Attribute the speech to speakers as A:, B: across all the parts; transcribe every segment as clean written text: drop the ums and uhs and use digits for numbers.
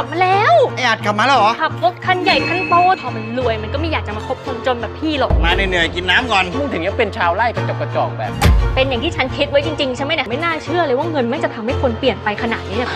A: บมาแล้ว
B: ไออัดกลับมาแล้วเหรอ
A: ขับรถคันใหญ่คันโตพอมันรวยมันก็ไม่อยากจะมาคบคนจนแบบพี่หรอก
B: มาเหนื่อยๆกินน้ำก่อน
C: มึงถึงยังเป็นชาวไร่กระจอกแบบ
A: เป็นอย่างที่ฉันคิดไว้จริงๆใช่ไหมเนี่ยไม่น่าเชื่อเลยว่าเงินไม่จะทำให้คนเปลี่ยนไปขนาดนี้เนี่ย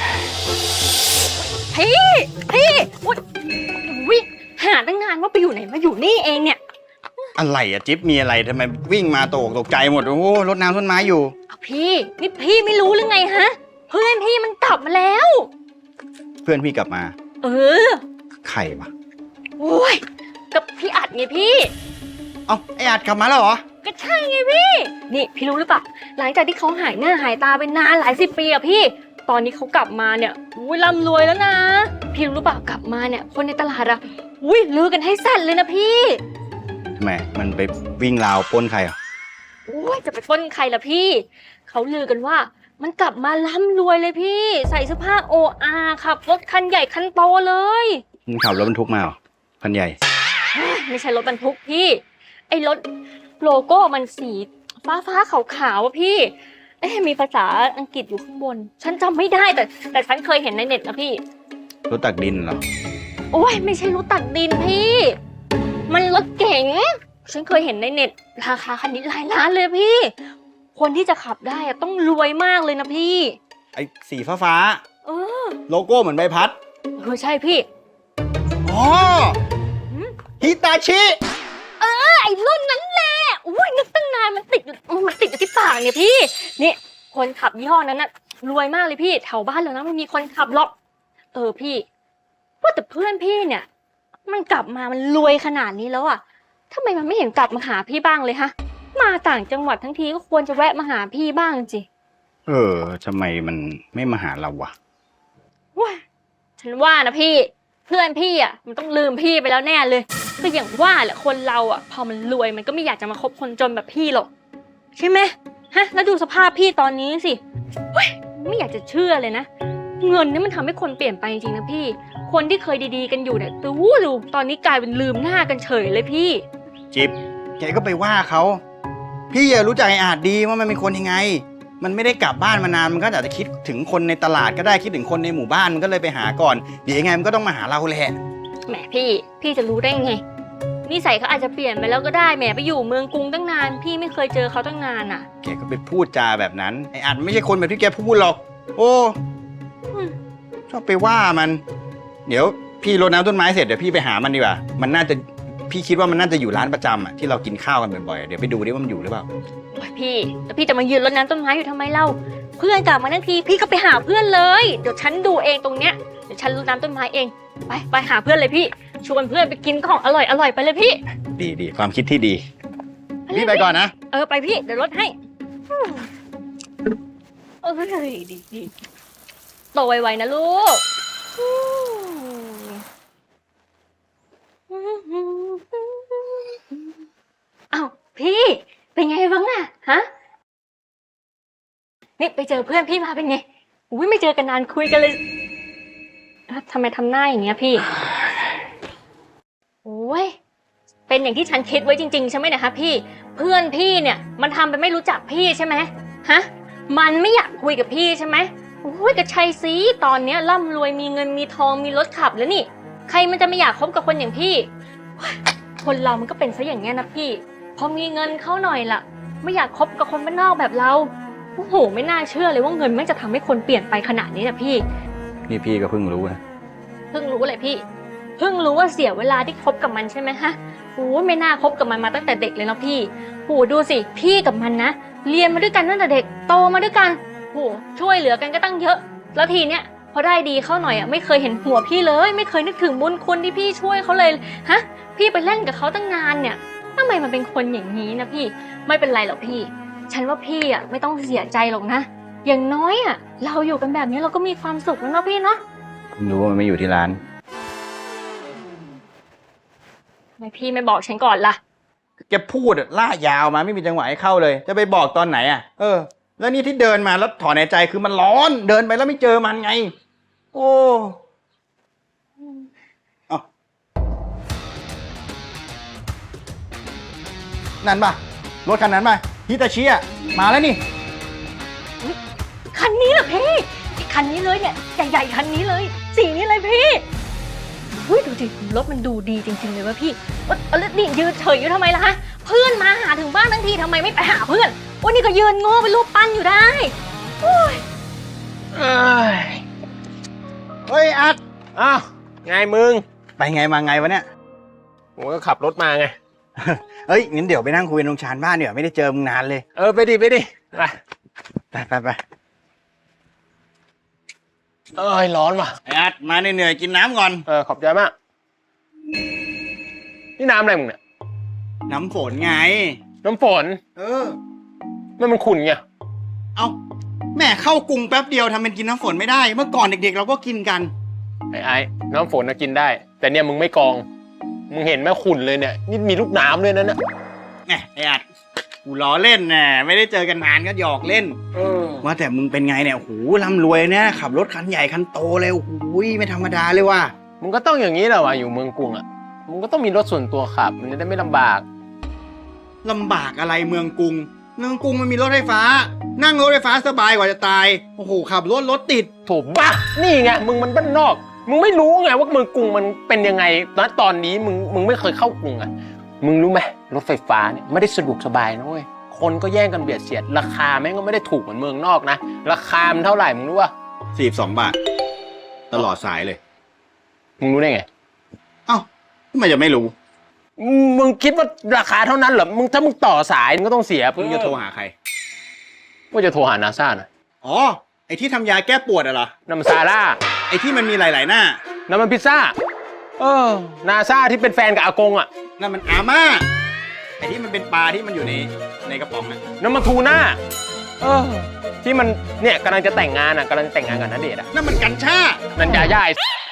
A: พี่อุ๊ยหาตั้งนานว่าไปอยู่ไหนมาอยู่นี่เองเนี่ย
B: อะไรอะจิ๊บมีอะไรทำไมวิ่งมาตกใจหมดโอ้โหรดน้ำต้นไม้อยู่
A: พี่นี่พี่ไม่รู้หรือไงฮะเพื่อนพี่มันกลับมาแล้ว
B: เพื่อนพี่กลับมาใครวะ
A: โอ้ยกับพี่อัดไงพี่
B: เอ้าไออัดกลับมาแล้วเหรอ
A: ก็ใช่ไงพี่นี่พี่รู้หรือเปล่าหลังจากที่เขาหายหน้าหายตาไปนานหลาย10 ปีอะพี่ตอนนี้เขากลับมาเนี่ยร่ำรวยแล้วนะพี่รู้เปล่ากลับมาเนี่ยคนในตลาดอะลือกันให้สั่นเลยนะพี่
B: ทำไมมันไปวิ่งราวปล้นใครอ่ะ
A: จะไปปล้นใครล่ะพี่เขาลือกันว่ามันกลับมาร่ำรวยเลยพี่ใส่เสื้อผ้าORขับรถคันใหญ่คันโตเลย
B: มึงขับรถบรรทุกมาเหรอคันใหญ่
A: ไม่ใช่รถบรรทุกพี่ไอ้รถโลโก้มันสีฟ้าขาวๆอะพี่มีภาษาอังกฤษอยู่ข้างบนฉันจำไม่ได้แต่ฉันเคยเห็นในเน็ตนะพี่
B: รถตักดินเหรอ
A: ไม่ใช่รถตักดินพี่มันรถเก๋งฉันเคยเห็นในเน็ตราคาคันนี้หลายล้านเลยพี่คนที่จะขับได้ต้องรวยมากเลยนะพี่
B: ไอ้สีฟ้าโลโก้เหมือนใบพัด
A: ใช่พี่
B: ฮิตาชิ
A: ไอ้รุ่นนั้นแหละนึกตั้งนานมันติดอยู่ที่ปากเนี่ยพี่นี่คนขับยี่ห้อนั้นน่ะรวยมากเลยพี่แถวบ้านเรานะไม่มีคนขับหรอกพี่ว่าแต่เพื่อนพี่เนี่ยมันกลับมามันรวยขนาดนี้แล้วอ่ะทำไมมันไม่เห็นกลับมาหาพี่บ้างเลยฮะมาต่างจังหวัดทั้งทีก็ควรจะแวะมาหาพี่บ้างจิ
B: ทำไมมันไม่มาหาเราวะ
A: ฉันว่านะพี่เพื่อนพี่อ่ะมันต้องลืมพี่ไปแล้วแน่เลยก็อย่างว่าแหละคนเราอ่ะพอมันรวยมันก็ไม่อยากจะมาคบคนจนแบบพี่หรอกใช่ไหมฮะแล้วดูสภาพพี่ตอนนี้สิไม่อยากจะเชื่อเลยนะเงินนี่มันทำให้คนเปลี่ยนไปจริงๆนะพี่คนที่เคยดีๆกันอยู่เนี่ยดูตอนนี้กลายเป็นลืมหน้ากันเฉยเลยพี่
B: จิ๊บแกก็ไปว่าเขาพี่รู้จักไอ้อาจดีว่ามันเป็นคนยังไงมันไม่ได้กลับบ้านมานานมันก็อาจจะคิดถึงคนในตลาดก็ได้คิดถึงคนในหมู่บ้านมันก็เลยไปหาก่อนเดี๋ยวยังไงมันก็ต้องมาหาเราแหละ
A: แหมพี่จะรู้ได้ไงนิสัยเขาอาจจะเปลี่ยนไปแล้วก็ได้แหมไปอยู่เมืองกรุงตั้งนานพี่ไม่เคยเจอเขาตั้งนานอ่ะ
B: แกก็ไปพูดจาแบบนั้นไอ้อาจไม่ใช่คนแบบที่แกพูดหรอกชอบไปว่ามันเดี๋ยวพี่รดน้ำต้นไม้เสร็จเดี๋ยวพี่ไปหามันดีกว่ามันน่าจะพี่คิดว่ามันน่าจะอยู่ร้านประจำอ่ะที่เรากินข้าวกันบ่อยๆเดี๋ยวไปดูดิว่ามันอยู่หรือเปล่า
A: พี่แล้วพี่จะมายืนรดน้ำต้นไม้อยู่ทำไมเล่าเพื่อนกลับมาทันทีพี่ก็ไปหาเพื่อนเลยเดี๋ยวฉันดูเองตรงเนี้ยเดี๋ยวฉันรดน้ำต้นไม้เองไปหาเพื่อนเลยพี่ชวนเพื่อนไปกินของอร่อยไปเลยพี่
B: ดีความคิดที่ดีพี่ไปก่อนนะ
A: ไปพี่เดี๋ยวรดให้ดีโตไวๆนะลูกอ้าวพี่เป็นไงบ้างอะฮะนี่ไปเจอเพื่อนพี่มาเป็นไงไม่เจอกันนานคุยกันเลยทำไมทำหน้าอย่างเงี้ยพี่เป็นอย่างที่ฉันคิดไว้จริงๆใช่ไหมนะคะพี่เพื่อนพี่เนี่ยมันทำเป็นไม่รู้จักพี่ใช่ไหมฮะมันไม่อยากคุยกับพี่ใช่ไหมก็ใช่สิตอนนี้ร่ำรวยมีเงินมีทองมีรถขับแล้วนี่ใครมันจะไม่อยากคบกับคนอย่างพี่คนเรามันก็เป็นซะอย่างเงี้ยนะพี่พอมีเงินเข้าหน่อยล่ะไม่อยากคบกับคนบ้านนอกแบบเราไม่น่าเชื่อเลยว่าเงินมันจะทำให้คนเปลี่ยนไปขนาดนี้นะพี่
B: นี่พี่ก็เพิ่งรู้นะ
A: เพิ่งรู้เลยพี่เพิ่งรู้ว่าเสียเวลาที่คบกับมันใช่ไหมฮะไม่น่าคบกับมันมาตั้งแต่เด็กเลยนะพี่ดูสิพี่กับมันนะเรียนมาด้วยกันตั้งแต่เด็กโตมาด้วยกันช่วยเหลือกันก็ตั้งเยอะแล้วทีเนี้ยพอได้ดีเข้าหน่อยไม่เคยเห็นหัวพี่เลยไม่เคยนึกถึงบุญคุณที่พี่ช่วยเขาเลยฮะพี่ไปเล่นกับเขาตั้งนานเนี่ยทำไมมันเป็นคนอย่างนี้นะพี่ไม่เป็นไรหรอกพี่ฉันว่าพี่ไม่ต้องเสียใจหรอกนะอย่างน้อยเราอยู่กันแบบนี้เราก็มีความสุขแล้วเนาะพี่เนาะ
B: รู้ว่ามันไม่อยู่ที่ร้าน
A: ทำไมพี่ไม่บอกฉันก่อนล่ะ
B: แกพูดล่ายาวมาไม่มีจังหวะให้เข้าเลยจะไปบอกตอนไหนแล้วนี่ที่เดินมาแล้วถอนหายใจคือมันร้อนเดินไปแล้วไม่เจอมันไงนั่นป่ะรถคันนั้นป่ะฮิตาชิมาแล้วนี่
A: คันนี้เหรอพี่คคันนี้เลยเนี่ยใหญ่ๆคันนี้เลยสีนี้เลยพี่อุ้ยดูดิรถมันดูดีจริงๆเลยว่ะพี่แล้วนี่ยืนเฉยอยู่ทำไมล่ะฮะเพื่อนมาหาถึงบ้านทั้งทีทำไมไม่ไปหาเพื่อนวันนี้ก็ยืนโง่เป็นรูปปั้นอยู่ได้โอ้ย
C: เอ้ย
B: เฮ้ยอัด
C: อ้าวไงมึง
B: ไปไงมาไงวะเนี่ย
C: ผมก็ขับรถมาไง
B: เฮ้ยงั้นเดี๋ยวไปนั่งคุยตรงชานบ้านเดี๋ยวไม่ได้เจอมึงนานเลย
C: ไปดิไป
B: ไป
C: เอ้ยร้อนว่ะ
B: ไอ้อัดมาเหนื่อยๆกินน้ำก่อน
C: ขอบใจมากนี่น้ำอะไรมึงเนี่ย
B: น้ำฝนไง
C: น้ำฝน มันขุ่นไง
B: เอาแม่เข้ากรุงแป๊บเดียวทำเป็นกินน้ำฝนไม่ได้ เมื่อก่อนเด็กๆเราก็กินกัน
C: ไอ้น้ำฝนนะกินได้ แต่เนี่ยมึงไม่กรอง มึงเห็นไหมขุ่นเลยเนี่ยนี่มีลูกน้ำเลยนะเนี่ย
B: แหมไอ้อัดกูล้อเล่นน่ะไม่ได้เจอกันนานก็หยอกเล่นว่าแต่มึงเป็นไงเนี่ยโอ้โหร่ำรวยเนี่ยขับรถคันใหญ่คันโตเลยโอ้โหไม่ธรรมดาเลยว่ะ
C: มึงก็ต้องอย่างนี้แหละว่ะอยู่เมืองกรุงอ่ะมึงก็ต้องมีรถส่วนตัวขับมันจะได้ไม่ลำบาก
B: ลำบากอะไรเมืองกรุงมันมีรถไฟฟ้า นั่งรถไฟฟ้าสบายกว่าจะตายโอ้โหขับรถติด
C: โถบ้านี่ไงมึงมันบ้านนอก มึงไม่รู้ไงว่าเมืองกรุงมันเป็นยังไงนะตอนนี้มึงไม่เคยเข้ากรุงอ่ะมึงรู้ไหมรถไฟฟ้าเนี่ยไม่ได้สะดวกสบายนะเว้ยคนก็แย่งกันเบียดเสียดราคาแม่งก็ไม่ได้ถูกเหมือนเมืองนอกนะราคามันเท่าไหร่มึงรู้ป่ะ
B: 42 บาทตลอดสายเลย
C: มึงรู้ได้ไง
B: เอ้าทำไมจะไม่รู้
C: มึงคิดว่าราคาเท่านั้นเหรอถ้ามึงต่อสายมึงก็ต้องเสีย
B: มึงจะโทรหาใคร
C: ว่าจะโทรหานาซาหน่อย
B: อ๋อไอที่ทำยาแก้ปวดอะเหรอ
C: น้ำซาร่า
B: ไอที่มันมีหลายๆหน้า
C: น้ำมันพิซซ่านาซาที่เป็นแฟนกับอากงอ่ะ
B: นั่นมันอาม่าไอที่มันเป็นปลาที่มันอยู่ในกระป๋องอะ
C: น้ำมันทูน่าที่มันเนี่ยกำลังจะแต่งงานกับณเดชน์อ่ะ
B: นั่นมันกัญชา
C: นันยาย่าย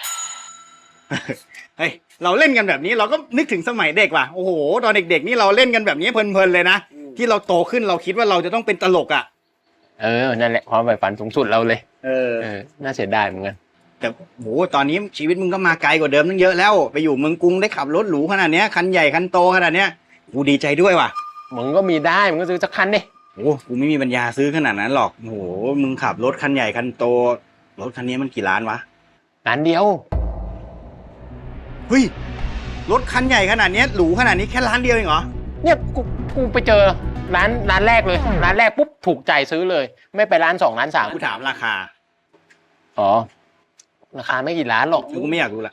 B: เฮ้ยเราเล่นกันแบบนี้เราก็นึกถึงสมัยเด็กว่ะโอ้โหตอนเด็กๆนี่เราเล่นกันแบบนี้เพลินๆเลยนะที่เราโตขึ้นเราคิดว่าเราจะต้องเป็นตลกอ่ะ
C: นั่นแหละความใฝ่ฝันสูงสุดเราเลย น่าเสียดายเหมือนกัน
B: แต่โหตอนนี้ชีวิตมึงก็มาไกลกว่าเดิมตั้งเยอะแล้วไปอยู่เมืองกรุงได้ขับรถหรูขนาดเนี้ยคันใหญ่คันโตขนาดเนี้ยกูดีใจด้วยว่ะ
C: มึงก็มีได้มึงก็ซื้อสักคันดิ
B: โอ้กูไม่มีปัญญาซื้อขนาดนั้นหรอกโอ้โหมึงขับรถคันใหญ่คันโตรถคันนี้มันกี่ล้านวะ
C: ร้านเดียว
B: เฮ้ยรถคันใหญ่ขนาดนี้หรูขนาดนี้แค่ล้านเดียวเองเหรอ
C: เนี่ยกูไปเจอร้านแรกเลยร้านแรกปุ๊บถูกใจซื้อเลย ไม่ไปร้าน2ร้าน3
B: กูถามราคา
C: อ๋อราคาไม่กี่ล้านหรอก
B: กูไม่อยากรู้ละ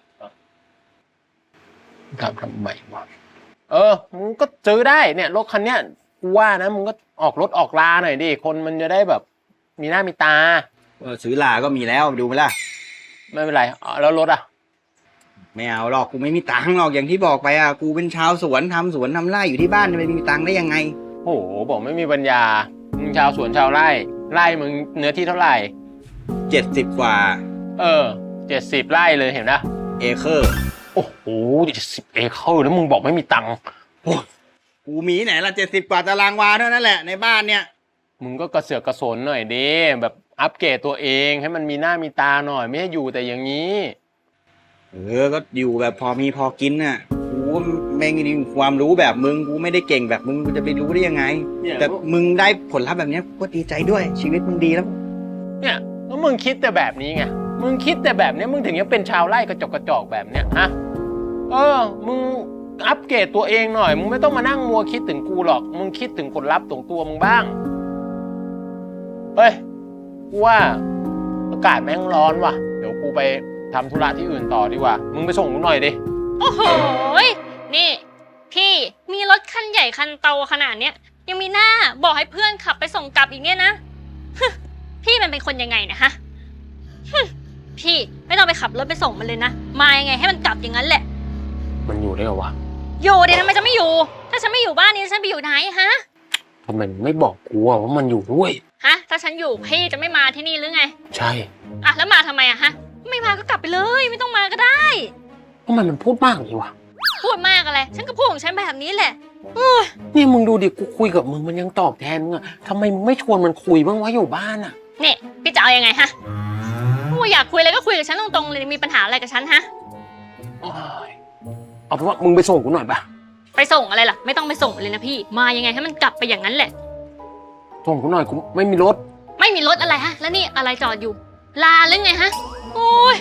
C: ทำไมวะมึงก็ซื้อได้เนี่ยรถคันเนี้ยกูว่านะมึงก็ออกรถออกลาหน่อยดิคนมันจะได้แบบมีหน้ามีตา
B: ซื้อลาก็มีแล้วดูไหมล่ะ
C: ไม่เป็นไรแล้วรถอ่ะ
B: ไม่เอาหรอกกูไม่มีตังค์หรอกอย่างที่บอกไปอ่ะกูเป็นชาวสวนทำสวนทำไร่อยู่ที่บ้านจะไม่มีตังค์ได้ยังไง
C: โอ้โหบอกไม่มีปัญญามึงชาวสวนชาวไร่มึงเนื้อที่เท่าไหร่
B: 70 กว่า
C: 70 ไร่เลยเห็นนะ
B: เอเคอร์
C: โอ้โห70 เอเคอร์แล้วมึงบอกไม่มีตังค์
B: กูมีไหนละ70 กว่าตารางวาเท่านั้นแหละในบ้านเนี่ย
C: มึงก็กระเสือกกระสนหน่อยดิแบบอัปเกรดตัวเองให้มันมีหน้ามีตาหน่อยไม่ให้อยู่แต่อย่างนี้
B: ก็อยู่แบบพอมีพอกินน่ะกูไม่มีความรู้แบบมึงกูไม่ได้เก่งแบบมึงกูจะไปรู้ได้ยังไงแต่มึงได้ผลลัพธ์แบบนี้ก็ดีใจด้วยชีวิตมึงดีแล้ว
C: เนี่ยแล้วมึงคิดแต่แบบนี้ไงมึงคิดแต่แบบนี้มึงถึงยังเป็นชาวไร่กระจอกแบบเนี้ยฮะมึงอัปเกรดตัวเองหน่อยมึงไม่ต้องมานั่งมัวคิดถึงกูหรอกมึงคิดถึงผลลัพธ์ของตัวมึงบ้างเฮ้ยกูว่าอากาศแม่งร้อนว่ะเดี๋ยวกูไปทำธุระที่อื่นต่อดีกว่ามึงไปส่งกูหน่อยดิ
A: โอ้โหนี่พี่มีรถคันใหญ่คันโตขนาดเนี้ยยังมีหน้าบอกให้เพื่อนขับไปส่งกลับอีกเนี่ยนะพี่มันเป็นคนยังไงเนี่ยฮะพี่ไม่ต้องไปขับรถไปส่งมันเลยนะมายังไงให้มันกลับอย่างนั้นแหละ
C: มันอยู่ได้เหรอวะ
A: อยู่ดิทำไมจะไม่อยู่ถ้าฉันไม่อยู่บ้านนี้ฉันไปอยู่ไหนฮะ
C: ทำไมไม่บอกกูว่ามันอยู่ด้วย
A: ฮะถ้าฉันอยู่พี่จะไม่มาที่นี่หรือไง
C: ใช่
A: แล้วมาทำไมฮะไม่มาก็กลับไปเลยไม่ต้องมาก็ได้
C: ทำไมมันพูดมากเลยวะ
A: พูดมากอะไรฉันก็พูดของฉันแบบนี้แหละ
C: นี่มึงดูดิกูคุยกับมึงมันยังตอบแทนมึงอะทำไมมึงไม่ชวนมันคุยบ้างวะอยู่บ้านอะ
A: เนี่ยพี่จะเอายังไงฮะอยากคุยอะไรก็คุยกับฉันตรงๆเลยมีปัญหาอะไรกับฉันฮะ
C: เอาเป็นว่ามึงไปส่งกูหน่อยปะ
A: ไปส่งอะไรล่ะไม่ต้องไปส่งเลยนะพี่มายังไงให้มันกลับไปอย่างนั้นแหละ
C: ส่งกูหน่อยกูไม่มีรถ
A: อะไรฮะแล้วนี่อะไรจอดอยู่ลาหรือไงฮะ โอ้ย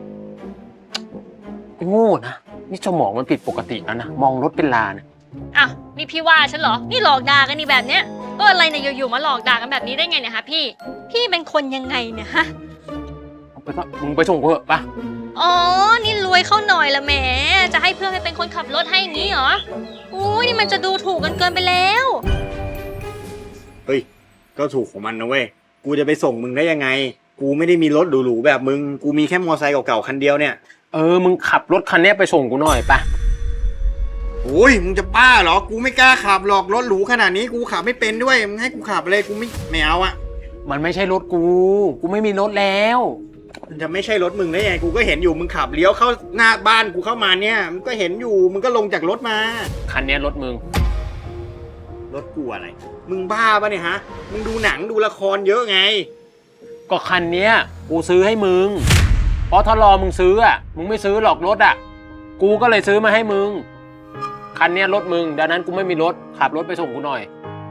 C: โง่นะนี่สมองมันผิดปกติแล้วนะมองรถเป็นลาเนี่ย
A: อ้าวนี่พี่ว่าฉันเหรอ นี่หลอกด่ากันนี่แบบเนี้ยอะไรเนี่ยอยู่ๆมาหลอกด่ากันแบบนี้ได้ไงเนี่ยฮะพี่ พี่เป็นคนยังไงเนี่ยฮะ
C: เอาไปก็มึงไปส่งกูเถอะปะ
A: อ๋อ นี่รวยเข้าหน่อยละแหม จะให้เพื่อนไปเป็นคนขับรถให้อย่างนี้เหรออุ้ยนี่มันจะดูถูกกันเกินไปแล้ว
B: เฮ้ยก็ถูกของมันนะเว้ยกูจะไปส่งมึงได้ยังไง กูไม่ได้มีรถหรูๆแบบมึงกูมีแค่มอไซค์เก่าๆคันเดียวเนี่ย
C: มึงขับรถคันนี้ไปส่งกูหน่อยปะ
B: โอ้ยมึงจะบ้าเหรอกูไม่กล้าขับหรอกรถหรูขนาดนี้กูขับไม่เป็นด้วยมึงให้กูขับเลยกูไม่เอาอะ
C: มันไม่ใช่รถกูไม่มีรถแล้ว
B: มันจะไม่ใช่รถมึงได้ยังไงกูก็เห็นอยู่มึงขับเลี้ยวเข้าหน้าบ้านกูเข้ามาเนี่ยมึงก็เห็นอยู่มึงก็ลงจากรถมา
C: คันนี้รถมึง
B: รถกูอะไรมึงบ้าปะเนี่ยฮะมึงดูหนังดูละครเยอะไง
C: ก็คันเนี้ยกูซื้อให้มึงเพราะถ้ารอมึงซื้ออ่ะมึงไม่ซื้อหรอกรถอ่ะกูก็เลยซื้อมาให้มึงคันเนี้ยรถมึงดังนั้นกูไม่มีรถขับรถไปส่งกูหน่อย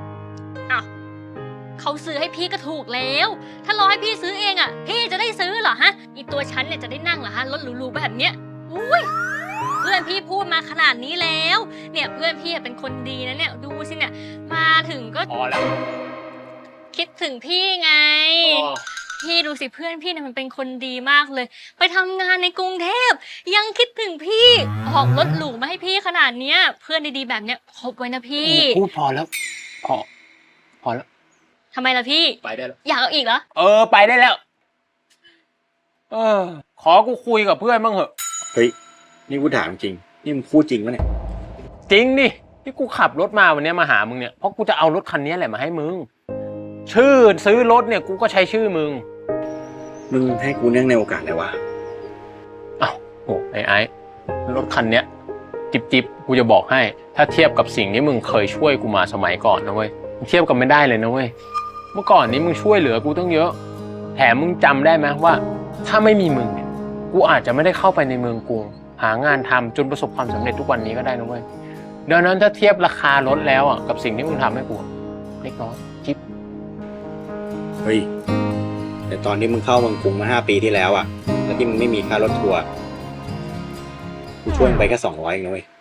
A: เขาซื้อให้พี่ก็ถูกแล้ว ถ้ารอให้พี่ซื้อเองอ่ะ พี่จะได้ซื้อเหรอฮะ อีตัวฉันเนี่ยจะได้นั่งเหรอฮะ รถหรูๆแบบเนี้ยอุ้ยเพื่อนพี่พูดมาขนาดนี้แล้ว เนี่ยเพื่อนพี่เป็นคนดีนะเนี่ย ดูสิเนี่ย มาถึงก็
C: พอแล้ว
A: คิดถึงพี่ไง พี่ดูสิเพื่อนพี่เนี่ยมันเป็นคนดีมากเลย ไปทำงานในกรุงเทพยังคิดถึงพี่ออกรถหรูมาให้พี่ขนาดเนี้ย เพื่อนดีๆแบบเนี้ยคบไว้นะพี่
C: พูดพอแล้วพอแล้ว
A: ทำไมล่ะพี่
C: ไปได้แล้ว
A: อยากเอาอีกเหรอ
C: ไปได้แล้วขอกูคุยกับเพื่อนบ้างเหอะ
B: เฮ้ยนี่กูถามจริงนี่มึงพูดจริงปะเนี่ย
C: จริงดิที่กูขับรถมาวันนี้มาหามึงเนี่ยเพราะกูจะเอารถคันนี้แหละมาให้มึงชื่อซื้อรถเนี่ยกูก็ใช้ชื่อมึง
B: มึงให้กูเนื่องในโอกาสอะไรวะ
C: ไอ้รถคันเนี้ยจิบกูจะบอกให้ ถ้าเทียบกับสิ่งที่มึงเคยช่วยกูมาสมัยก่อนนะเว้ยเทียบกันไม่ได้เลยนะเว้ยเมื่อก่อนนี้มึงช่วยเหลือกูตั้งเยอะแถมมึงจำได้ไหมว่า ถ้าไม่มีมึงเนี่ยกูอาจจะไม่ได้เข้าไปในเมืองกรุงหางานทำจนประสบความสำเร็จทุกวันนี้ก็ได้นะเว้ยดังนั้นถ้าเทียบราคารถแล้วอ่ะกับสิ่งที่มึงทำให้กูเล็กน้อยจิ๊บ
B: เฮ้ยแต่ตอนที่มึงเข้าเมืองกรุงมา5 ปีที่แล้วอะแล้วที่มึงไม่มีค่ารถทัวร์กูช่วยมึงไปแค่200เองนะเว้ย